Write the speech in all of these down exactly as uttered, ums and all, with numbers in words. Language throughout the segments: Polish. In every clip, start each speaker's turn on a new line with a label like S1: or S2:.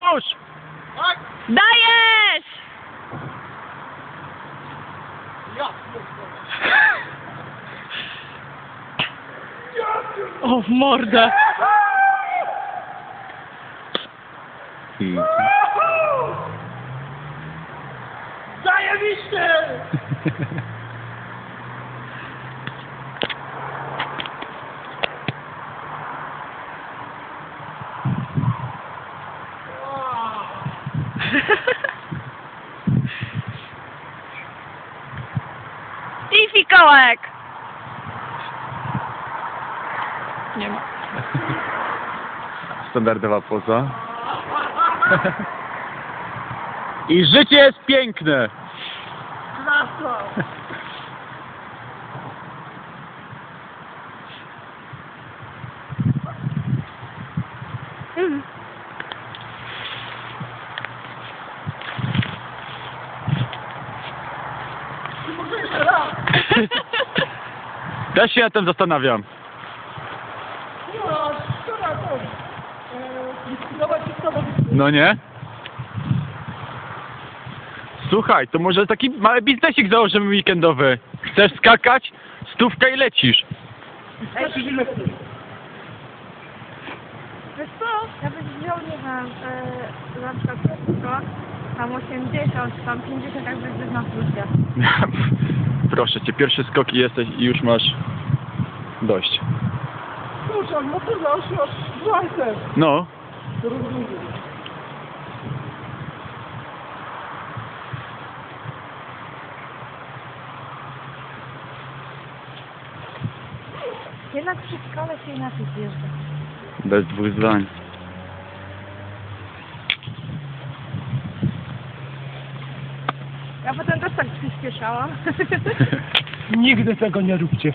S1: Już!
S2: Tak?
S3: Dajesz!
S2: Ja
S3: O, w mordę!
S2: Zajebiście!
S3: I fikołek! Nie ma.
S1: Standardowa poza. I życie jest piękne!
S2: Klasa!
S3: Mm.
S2: Może jeszcze raz!
S1: Też się na tym zastanawiam.
S2: No, szkoda to. Eee, likwidować i szkoda.
S1: No nie? Słuchaj, to może taki mały biznesik założymy weekendowy. Chcesz skakać? Stówka i lecisz.
S2: Skaczy mi lepiej.
S4: Wiesz co, ja bym wziął, nie wiem, yy, na przykład wszystko, tam osiemdziesiąt, tam pięćdziesiąt, jak będziesz na plusie.
S1: Proszę cię, pierwsze skoki jesteś i już masz dość.
S2: Kurczę, no to zawsze aż dwadzieścia.
S1: No,
S2: To rozumiem.
S4: Jednak przy szkole się inaczej zjeżdża.
S1: bez dwóch zdań.
S4: Ja potem też tak przyspieszałam.
S2: Nigdy tego nie róbcie.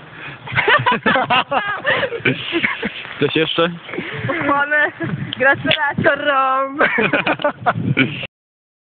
S1: Coś jeszcze?
S4: Pochłonę gratulatorom.